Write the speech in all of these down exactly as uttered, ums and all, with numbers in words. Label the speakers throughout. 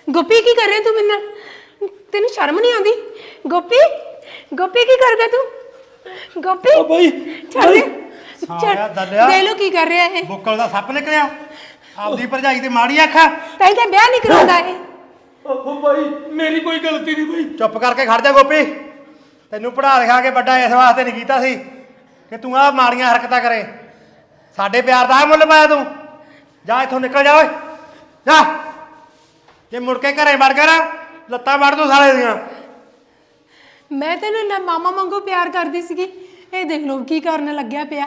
Speaker 1: ਗੋਪੀ ਕੀ ਕਰ ਰਿਹਾ ਤੂੰ ਮੇਰੇ ਨਾਲ? ਤੈਨੂੰ ਸ਼ਰਮ ਨਹੀਂ ਆਉਂਦੀ? ਗੋਪੀ ਗੋਪੀ ਕੀ ਕਰਦਾ ਤੂੰ? ਗੋਪੀ
Speaker 2: ਓ ਬਈ
Speaker 1: ਛੱਡ ਦੇ।
Speaker 2: ਸਾਲਿਆ ਦਲਿਆ
Speaker 1: ਦੇ ਲੋ ਕੀ ਕਰ ਰਿਹਾ ਇਹ।
Speaker 2: ਬੁੱਕਲ ਦਾ ਸੱਪ ਨਿਕਲਿਆ। ਆਪਦੀ ਭਰਜਾਈ ਤੇ ਮਾੜੀ ਆਖਾ।
Speaker 1: ਤਾਂ ਕਿ ਵਿਆਹ ਨਹੀਂ ਕਰਾਉਂਦਾ ਇਹ।
Speaker 2: ਓ ਬਾਈ ਮੇਰੀ ਕੋਈ ਗਲਤੀ ਨਹੀਂ ਬਾਈ। ਚੁੱਪ ਕਰਕੇ ਖੜ ਜਾ ਗੋਪੀ। ਤੈਨੂੰ ਪੜ੍ਹਾ ਲਿਖਾ ਕੇ ਵੱਡਾ ਇਸ ਵਾਸਤੇ ਨਹੀਂ ਕੀਤਾ ਸੀ ਕਿ ਤੂੰ ਆਹ ਮਾੜੀਆਂ ਹਰਕਤਾਂ ਕਰੇ। ਸਾਡੇ ਪਿਆਰ ਦਾ ਮੁੱਲ ਪਾਇਆ ਤੂੰ। ਜਾ ਇੱਥੋਂ ਨਿਕਲ ਜਾ ਓਏ ਜਾ। ਜੇ ਮੁੜ ਕੇ ਘਰੇ ਵੜ ਗਿਆ ਨਾ ਲੱਤਾਂ ਵੜ ਦੂੰ ਸਾਲੇ ਦੀਆਂ।
Speaker 1: ਮੈਂ ਤੈਨੂੰ ਨਾ ਮਾਮਾ ਵਾਂਗੂ ਪਿਆਰ ਕਰਦੀ ਸੀਗੀ। ਇਹ ਦੇਖ ਲੋ ਕੀ ਕਰਨ ਲੱਗਿਆ ਪਿਆ।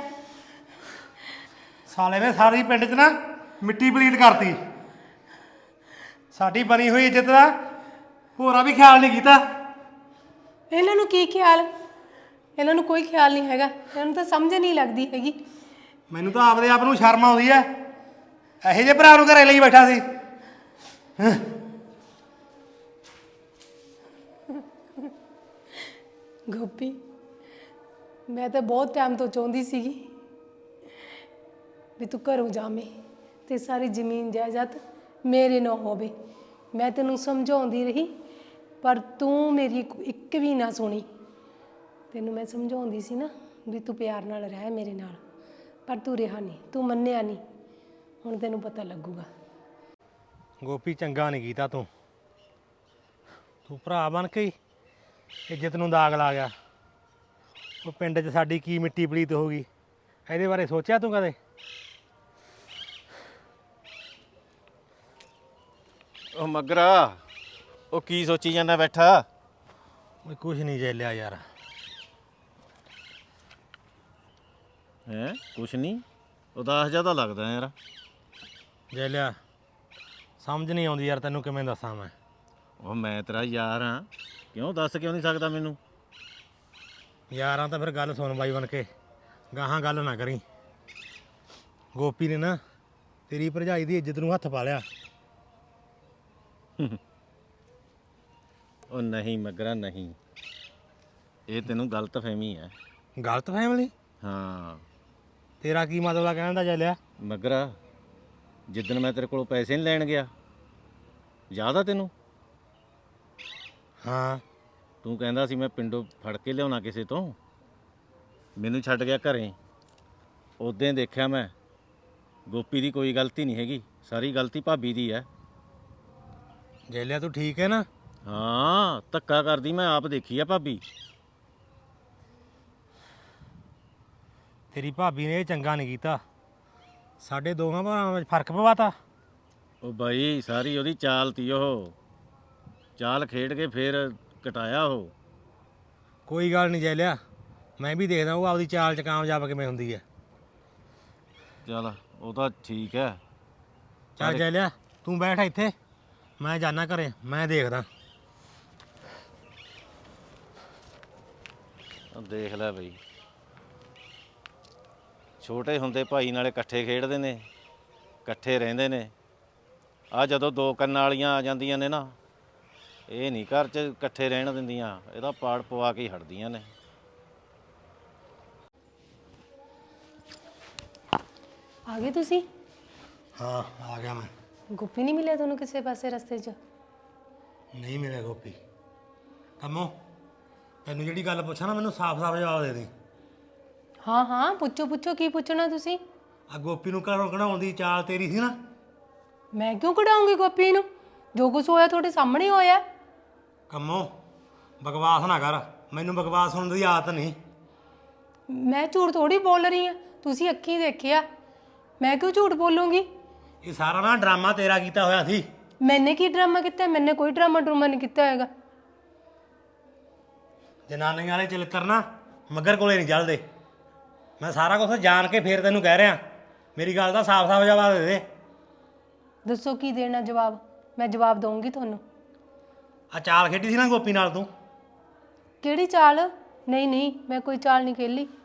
Speaker 2: ਸਾਲੇ ਨੇ ਸਾਰੀ ਪਿੰਡ 'ਚ ਨਾ ਮਿੱਟੀ ਪਲੀਤ ਕਰਤੀ। ਸਾਡੀ ਬਣੀ ਹੋਈ ਇੱਜ਼ਤ ਦਾ ਭੋਰਾ ਵੀ ਖਿਆਲ ਨਹੀਂ ਕੀਤਾ।
Speaker 1: ਇਹਨਾਂ ਨੂੰ ਕੀ ਖਿਆਲ? ਇਹਨਾਂ ਨੂੰ ਕੋਈ ਖਿਆਲ ਨਹੀਂ ਹੈਗਾ। ਇਹਨਾਂ ਨੂੰ ਤਾਂ ਸਮਝ ਨਹੀਂ ਲੱਗਦੀ ਹੈਗੀ।
Speaker 2: ਮੈਨੂੰ ਤਾਂ ਆਪਦੇ ਆਪ ਨੂੰ ਸ਼ਰਮ ਆਉਂਦੀ ਐ। ਇਹੋ ਜਿਹੇ ਭਰਾ ਨੂੰ ਘਰੇ ਲਈ ਬੈਠਾ ਸੀ।
Speaker 1: ਗੋਪੀ ਮੈਂ ਤਾਂ ਬਹੁਤ ਟਾਈਮ ਤੋਂ ਚਾਹੁੰਦੀ ਸੀਗੀ ਵੀ ਤੂੰ ਘਰੋਂ ਜਾਵੇਂ ਤੇ ਸਾਰੀ ਜ਼ਮੀਨ ਜਾਇਦਾਦ ਮੇਰੇ ਨਾਲ ਹੋਵੇ। ਮੈਂ ਤੈਨੂੰ ਸਮਝਾਉਂਦੀ ਰਹੀ ਪਰ ਤੂੰ ਮੇਰੀ ਇੱਕ ਵੀ ਨਾ ਸੁਣੀ। ਤੈਨੂੰ ਮੈਂ ਸਮਝਾਉਂਦੀ ਸੀ ਨਾ ਵੀ ਤੂੰ ਪਿਆਰ ਨਾਲ ਰਹਿ ਮੇਰੇ ਨਾਲ, ਪਰ ਤੂੰ ਰਿਹਾ ਨਹੀਂ, ਤੂੰ ਮੰਨਿਆ ਨਹੀਂ। ਹੁਣ ਤੈਨੂੰ ਪਤਾ ਲੱਗੂਗਾ।
Speaker 2: ਗੋਪੀ ਚੰਗਾ ਨਹੀਂ ਕੀਤਾ ਤੂੰ। ਤੂੰ ਭਰਾ ਬਣ ਕੇ ਇੱਜ਼ਤ ਨੂੰ ਦਾਗ ਲਾ ਗਿਆ। ਉਹ ਪਿੰਡ 'ਚ ਸਾਡੀ ਕੀ ਮਿੱਟੀ ਪਲੀਤ ਹੋ ਗਈ, ਇਹਦੇ ਬਾਰੇ ਸੋਚਿਆ ਤੂੰ ਕਦੇ?
Speaker 3: ਉਹ ਮਗਰਾ ਉਹ ਕੀ ਸੋਚੀ ਜਾਂਦਾ ਬੈਠਾ?
Speaker 2: ਓਏ ਕੁਛ ਨਹੀਂ ਜੈਲਿਆ ਯਾਰ।
Speaker 3: ਹੈ ਕੁਛ ਨਹੀਂ, ਉਦਾਸ ਜਿਹਾ ਤਾਂ ਲੱਗਦਾ ਯਾਰ।
Speaker 2: ਜੈਲਿਆ ਸਮਝ ਨਹੀਂ ਆਉਂਦੀ ਯਾਰ, ਤੈਨੂੰ ਕਿਵੇਂ ਦੱਸਾਂ ਮੈਂ।
Speaker 3: ਉਹ ਮੈਂ ਤੇਰਾ ਯਾਰ ਹਾਂ, ਕਿਉਂ ਦੱਸ ਕਿਉਂ ਨਹੀਂ ਸਕਦਾ ਮੈਨੂੰ?
Speaker 2: ਯਾਰਾਂ ਤਾਂ ਫਿਰ ਗੱਲ ਸੁਣ ਬਾਈ ਬਣ ਕੇ, ਗਾਹਾਂ ਗੱਲ ਨਾ ਕਰੀ। ਗੋਪੀ ਨੇ ਨਾ ਤੇਰੀ ਭਰਜਾਈ ਦੀ ਇੱਜ਼ਤ ਨੂੰ ਹੱਥ ਪਾ ਲਿਆ।
Speaker 3: ਉਹ ਨਹੀਂ ਮਗਰਾ ਨਹੀਂ, ਇਹ ਤੈਨੂੰ ਗਲਤ ਫਹਿਮੀ ਹੈ।
Speaker 2: ਗਲਤ ਫੈਮਿਲੀ?
Speaker 3: ਹਾਂ
Speaker 2: ਤੇਰਾ ਕੀ ਮਤਲਬ ਆ ਕਹਿਣ ਦਾ ਜੈਲਿਆ?
Speaker 3: ਮਗਰਾ ਜਿੱਦਣ ਮੈਂ ਤੇਰੇ ਕੋਲੋਂ ਪੈਸੇ ਨਹੀਂ ਲੈਣ ਗਿਆ, ਯਾਦ ਆ ਤੈਨੂੰ?
Speaker 2: ਹਾਂ
Speaker 3: ਤੂੰ ਕਹਿੰਦਾ ਸੀ ਮੈਂ ਪਿੰਡੋਂ ਫੜ ਕੇ ਲਿਆਉਣਾ ਕਿਸੇ ਤੋਂ, ਮੈਨੂੰ ਛੱਡ ਗਿਆ ਘਰੇ। ਉਦੋਂ ਦੇਖਿਆ ਮੈਂ ਗੋਪੀ ਦੀ ਕੋਈ ਗਲਤੀ ਨਹੀਂ ਹੈਗੀ, ਸਾਰੀ ਗਲਤੀ ਭਾਬੀ ਦੀ ਹੈ।
Speaker 2: ਜੈਲਿਆ ਤੂੰ ਠੀਕ ਹੈ ਨਾ?
Speaker 3: ਹਾਂ ਧੱਕਾ ਕਰਦੀ ਮੈਂ ਆਪ ਦੇਖੀ ਆ ਭਾਬੀ।
Speaker 2: ਤੇਰੀ ਭਾਬੀ ਨੇ ਇਹ ਚੰਗਾ ਨਹੀਂ ਕੀਤਾ, ਸਾਡੇ ਦੋਹਾਂ ਭਰਾਵਾਂ ਵਿੱਚ ਫਰਕ ਪਵਾਤਾ।
Speaker 3: ਉਹ ਬਾਈ ਸਾਰੀ ਉਹਦੀ ਚਾਲ ਤੀ, ਉਹ ਚਾਲ ਖੇਡ ਕੇ ਫੇਰ ਕਟਾਇਆ ਉਹ।
Speaker 2: ਕੋਈ ਗੱਲ ਨਹੀਂ ਜੈਲਿਆ, ਮੈਂ ਵੀ ਦੇਖਦਾ ਉਹ ਆਪਦੀ ਚਾਲ 'ਚ ਕਾਮਯਾਬ ਕਿਵੇਂ ਹੁੰਦੀ ਹੈ।
Speaker 3: ਚੱਲ ਉਹ ਤਾਂ ਠੀਕ ਹੈ।
Speaker 2: ਚੱਲ ਜੈਲਿਆ ਤੂੰ ਬੈਠ ਇੱਥੇ, ਮੈਂ ਜਾਣਾ ਘਰੇ, ਮੈਂ ਦੇਖਦਾ।
Speaker 3: ਦੇਖ ਲੈ ਬਈ, ਛੋਟੇ ਹੁੰਦੇ ਭਾਈ ਨਾਲੇ ਇਕੱਠੇ ਖੇਡਦੇ ਨੇ, ਇਕੱਠੇ ਰਹਿੰਦੇ ਨੇ। ਆ ਜਦੋਂ ਦੋ ਕੰਨਾਂ ਵਾਲੀਆਂ ਆ ਜਾਂਦੀਆਂ ਨੇ ਨਾ, ਇਹ ਨਹੀਂ ਘਰ 'ਚ ਇਕੱਠੇ ਰਹਿਣ ਦਿੰਦੀਆਂ, ਇਹਦਾ ਪਾੜ ਪਵਾ ਕੇ ਹੀ ਹਟਦੀਆਂ ਨੇ।
Speaker 1: ਆ ਗਏ ਤੁਸੀਂ?
Speaker 2: ਹਾਂ ਆ ਗਿਆ ਮੈਂ।
Speaker 1: ਗੋਪੀ ਨਹੀਂ ਮਿਲਿਆ ਤੁਹਾਨੂੰ ਕਿਸੇ ਪਾਸੇ ਰਸਤੇ 'ਚ?
Speaker 2: ਨਹੀਂ ਮਿਲਿਆ ਗੋਪੀ। ਕੰਮੋ ਤੈਨੂੰ ਜਿਹੜੀ ਗੱਲ ਪੁੱਛਾਂ ਨਾ, ਮੈਨੂੰ ਸਾਫ਼-ਸਾਫ਼ ਜਵਾਬ ਦੇ ਦੇ।
Speaker 1: ਹਾਂ ਹਾਂ ਪੁੱਛੋ ਪੁੱਛੋ, ਕੀ ਪੁੱਛਣਾ ਤੁਸੀਂ?
Speaker 2: ਆ ਗੋਪੀ ਨੂੰ ਘਰੋਂ ਕਢਾਉਣ ਦੀ ਚਾਲ ਤੇਰੀ ਸੀ ਨਾ?
Speaker 1: ਮੈਂ ਕਿਉਂ ਕਢਾਉਂਗੀ ਗੋਪੀ ਨੂੰ? ਜੋ ਕੁਛ ਹੋਇਆ ਤੁਹਾਡੇ ਸਾਹਮਣੇ ਹੋਇਆ।
Speaker 2: ਕੰਮੋ ਬਕਵਾਸ ਨਾ ਕਰ, ਮੈਨੂੰ ਬਕਵਾਸ ਸੁਣਨ ਦੀ ਆਦਤ ਨਹੀਂ।
Speaker 1: ਮੈਂ ਝੂਠ ਥੋੜੀ ਬੋਲ ਰਹੀ ਹਾਂ, ਤੁਸੀਂ ਅੱਖੀਂ ਦੇਖਿਆ। ਮੈਂ ਕਿਉਂ ਝੂਠ ਬੋਲੂੰਗੀ?
Speaker 2: ਇਹ ਸਾਰਾ ਨਾ ਡਰਾਮਾ ਤੇਰਾ ਕੀਤਾ ਹੋਇਆ ਸੀ।
Speaker 1: ਮੈਨੇ ਕੀ ਡਰਾਮਾ ਕੀਤਾ? ਮੈਨੇ ਕੋਈ ਡਰਾਮਾ ਡਰੂਮਾ ਨਹੀਂ ਕੀਤਾ ਹੈਗਾ।
Speaker 2: ਜਨਾਨੀਆਂ ਵਾਲੇ ਚਲਿੱਤਰ ਨਾ ਮੱਗਰ ਕੋਲੇ ਨਹੀਂ ਚੱਲਦੇ। ਮੈਂ ਸਾਰਾ ਕੁਝ ਜਾਣ ਕੇ ਫੇਰ ਤੈਨੂੰ ਕਹਿ ਰਿਹਾ, ਮੇਰੀ ਗੱਲ ਦਾ ਸਾਫ਼-ਸਾਫ਼ ਜਵਾਬ ਦੇ ਦੇ।
Speaker 1: ਦੱਸੋ ਕੀ ਦੇਣਾ ਜਵਾਬ? ਮੈਂ ਜਵਾਬ ਦਊਂਗੀ ਤੁਹਾਨੂੰ।
Speaker 2: ਆ ਚਾਲ ਖੇਡੀ ਸੀ ਨਾ ਗੋਪੀ ਨਾਲ ਤੂੰ?
Speaker 1: ਕਿਹੜੀ ਚਾਲ? ਨਹੀਂ ਨਹੀਂ ਮੈਂ ਕੋਈ ਚਾਲ ਨਹੀਂ ਖੇਲੀ।